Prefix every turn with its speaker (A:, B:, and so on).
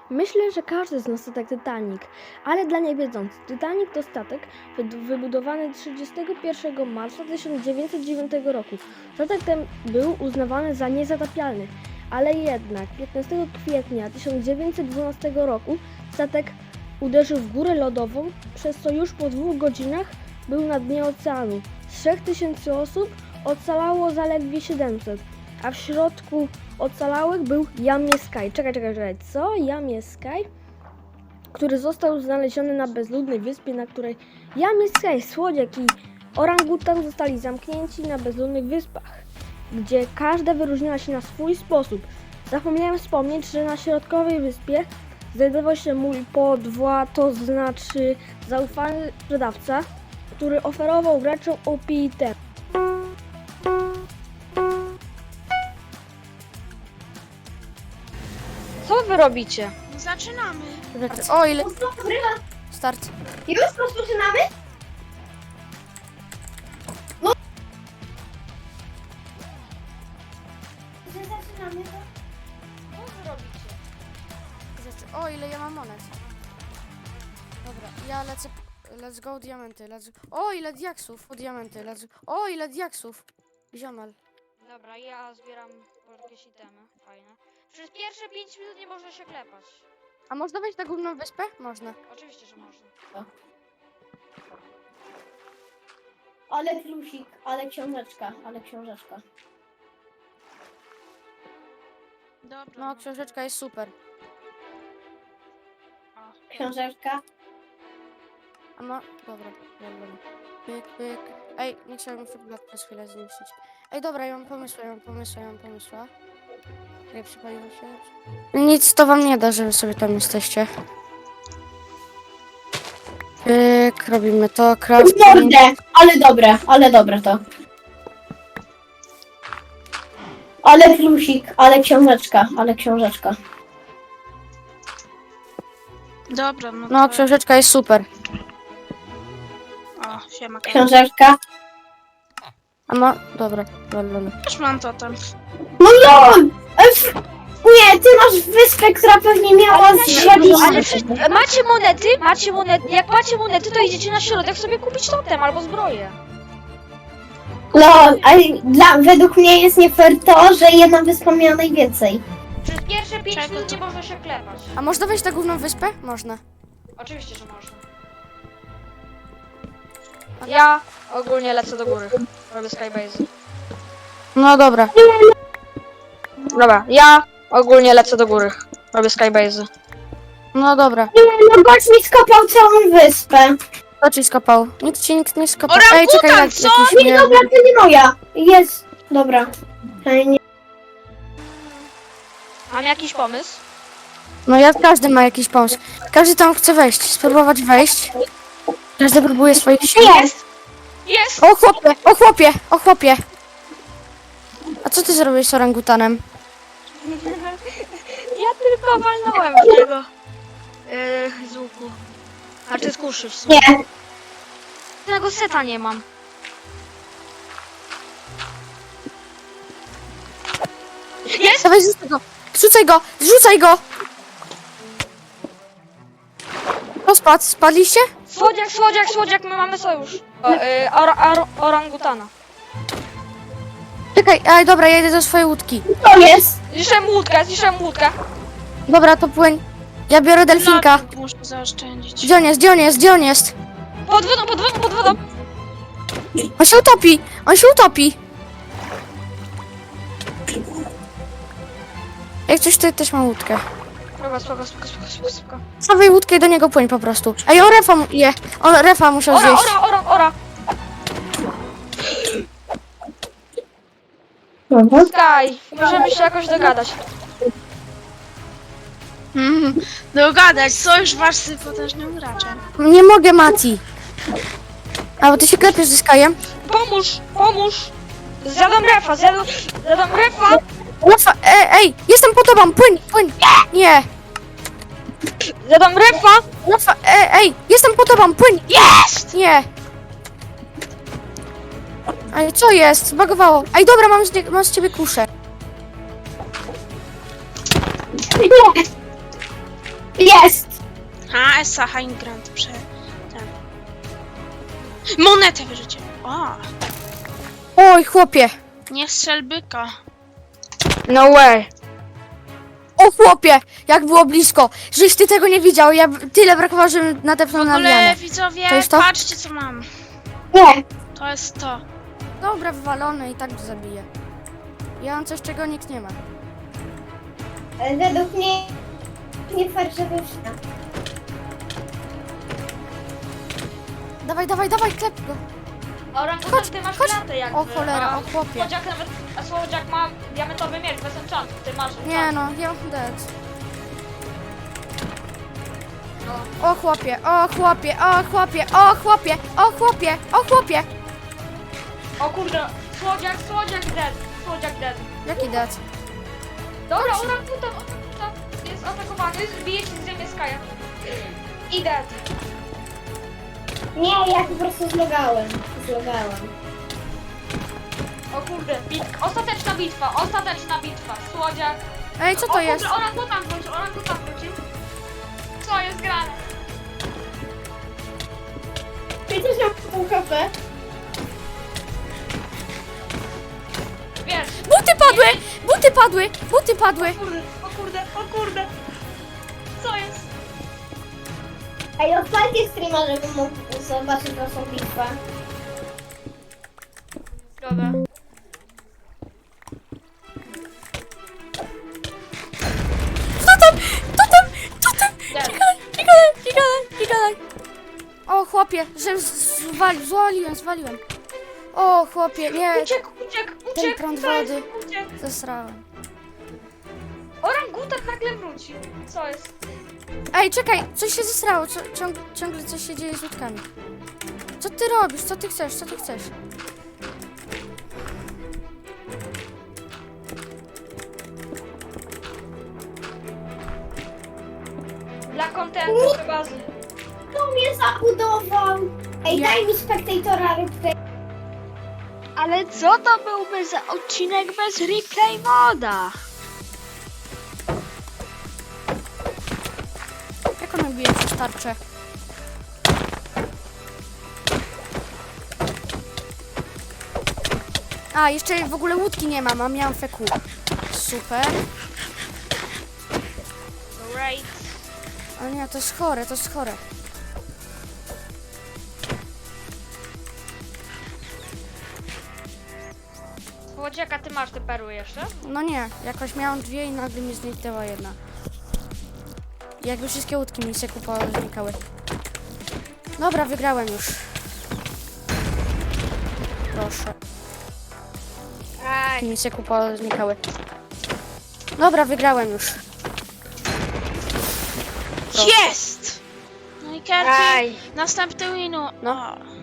A: Myślę, że każdy zna statek Titanic, ale dla niewiedzących, Titanic to statek wybudowany 31 marca 1909 roku. Statek ten był uznawany za niezatapialny, ale jednak 15 kwietnia 1912 roku statek uderzył w górę lodową, przez co już po 2 godzinach był na dnie oceanu. Z 3000 osób ocalało zaledwie 700, a w środku ocalałych był Yamie-Sky. Czekaj, co? Yamie-Sky? Który został znaleziony na bezludnej wyspie, na której Yamie-Sky, słodziak i orangutan zostali zamknięci na bezludnych wyspach, gdzie każda wyróżniała się na swój sposób. Zapomniałem wspomnieć, że na środkowej wyspie znajdował się mój podwła, to znaczy zaufany sprzedawca, który oferował graczom opitę.
B: Co wy robicie?
C: Zaczynamy.
D: O, ile... Start.
E: Już rozpoczynamy? Zaczynamy to?
B: Co wy robicie?
D: O, ile ja mam monet. Dobra, ja lecę... Let's go diamenty, O, ile diaksów! O, diamenty, O, ile diaksów! Ziomal.
B: Dobra, ja zbieram jakieś itemy, fajne. Przez pierwsze 5 minut nie można się klepać.
D: A można wejść na główną wyspę? Można.
B: Oczywiście, że można.
E: Ale plusik, ale książeczka.
C: Dobra.
D: No, książeczka jest super.
E: Książeczka.
D: A no, dobra. Pyk, pyk. Ej, nie chciałem mi blok przez chwilę zniszczyć. Ej, dobra, ja mam pomysła. Nie przypaliło się. Nic to wam nie da, że wy sobie tam jesteście. Pyk, robimy to, crafting.
E: Mordę, ale dobre to. Ale plusik, ale książeczka.
C: Dobra, no
D: No,
C: to...
D: książeczka jest super.
C: O, siema.
E: Książeczka.
D: A no, dobra, dobra.
C: Też mam totem.
E: No lol! Nie, ty masz wyspę, która pewnie miała
B: Ale macie monety? Jak macie monety, to idziecie na środek sobie kupić totem albo zbroję.
E: Lol, ale według mnie jest nie fair to, że jedna wyspa miała najwięcej.
B: Przez pierwsze 5
C: Czego
B: minut
C: to?
B: nie można się klepać.
D: A można wejść na główną wyspę? Można.
B: Oczywiście, że można. Ja ogólnie lecę do góry. Robię skybase.
D: No dobra.
B: Dobra, ja ogólnie lecę do góry. Robię skybase.
D: No dobra.
E: No gość mi skopał całą wyspę.
D: Kto ci skopał? Nikt nie skopał.
C: Orangutan, co?
D: jakiś
E: Nie, dobra, to nie moja. Jest, dobra. Nie.
B: Mam jakiś pomysł?
D: No każdy ma jakiś pomysł. Każdy tam chce wejść, spróbować wejść. Każdy próbuje swoich sił.
B: Jest! Jest!
D: O chłopie! A co ty zrobiłeś z orangutanem?
B: Ja tylko walnąłem w niego. Z łuku. A czy z kuszy w sumie.
E: Nie.
B: Tego seta nie mam. Jest!
D: Dawaj, zrzucaj go! Zrzucaj go! Kto spadł? Spadliście?
B: Słodziak, my mamy sojusz. Orangutana.
D: Czekaj, dobra, ja idę do swojej łódki.
E: To jest.
B: Zniszczyłem łódkę.
D: Dobra, to płyń. Ja biorę delfinka.
C: Muszę zaoszczędzić.
D: Gdzie on jest?
B: Pod wodą.
D: On się utopi! Jak coś, to też mam łódkę.
B: Dobra, spoko.
D: Stawaj łódkę i do niego płyń po prostu. Ej, on refa musiał zjeść.
B: Ora. Sky, możemy się jakoś dogadać.
C: Dogadać, sojusz wasz z potężnym graczem.
D: Nie mogę, Mati. A, bo ty się klepiesz ze Skyem.
B: Pomóż. Zjadam refa.
D: Refa, ej, jestem po tobą, płyń. Nie.
B: Zjadam refa.
D: Refa, ej, jestem po tobą, płyń.
B: Jest!
D: Nie. Ej, co jest? Zbagowało. Ej, dobra, mam z ciebie kuszę.
C: CS-a High Grant ten. Monetę wyrzucie. O,
D: Oj, chłopie!
C: nie strzel byka.
B: No way.
D: O chłopie! Jak było blisko! Żeś ty tego nie widział, ja tyle brakowało, żebym nadepnął na
C: Ale
D: lianę.
C: widzowie,
D: To jest to?
C: patrzcie co mam.
E: Nie.
C: To jest to.
D: Dobra, wywalone i tak go zabiję. Ja mam coś, czego nikt nie ma.
E: Ale według mnie nie fakt, że wyszła.
D: Dawaj, dawaj, dawaj, klep go!
B: Orangutan, ty masz
D: chodź.
B: klatę jakby.
D: O cholera,
B: a
D: o chłopie.
B: Słodziak nawet, a Słodziak ma diamentowy miecz bez enchantu, ty masz
D: Nie
B: enchant.
D: no, ja mam dead. O chłopie, o chłopie, o chłopie, o chłopie, o chłopie, o chłopie!
B: O kurde, Słodziak dead.
D: Jaki dead?
B: Dobra, orangutan jest atakowany, bije ci z ziemi Skaja. I dead.
E: Nie, ja po prostu zlogałem.
B: O kurde, ostateczna bitwa. Słodziak.
D: Ej, co
B: O
D: to jest?
B: kurde, orangutan wróci. Co jest grane?
E: Przecież mam pół HP.
B: Wiesz,
D: Buty padły! Buty padły! Buty padły!
B: o kurde. Co jest?
E: Ej, odpalcie streama, żebym mógł zobaczyć waszą bitwę.
B: Dobra. Dead.
D: Nie gadaj! O chłopie, że zwaliłem. O chłopie, nie,
B: Uciekł.
D: ten prąd
B: co jest?
D: wody.
B: Uciekł.
D: Zesrałem.
B: Orangutan nagle wrócił. Co jest?
D: Ej, czekaj, coś się zesrało, ciągle coś się dzieje z łódkami. Co ty robisz? Co ty chcesz?
B: Dla kontentu chyba z...
E: Kto mnie zabudował? Ej,
D: Ja.
E: daj mi spektatora rybkę.
B: Ale co to byłby za odcinek bez replay moda?
D: Jak ona bije przez tarczę? A, jeszcze w ogóle łódki nie mam, a miałam feku. Super.
B: Right.
D: Ale nie, to jest chore.
B: Słodziaka, ty masz te perły jeszcze?
D: No nie, jakoś miałam dwie i nagle mi zniknęła jedna. I jakby wszystkie łódki mi się znikały. Dobra, wygrałem już. Proszę.
B: Aj.
D: Mi się znikały. Dobra, wygrałem już.
C: Jest! No i Kerty, następny winu.
D: No.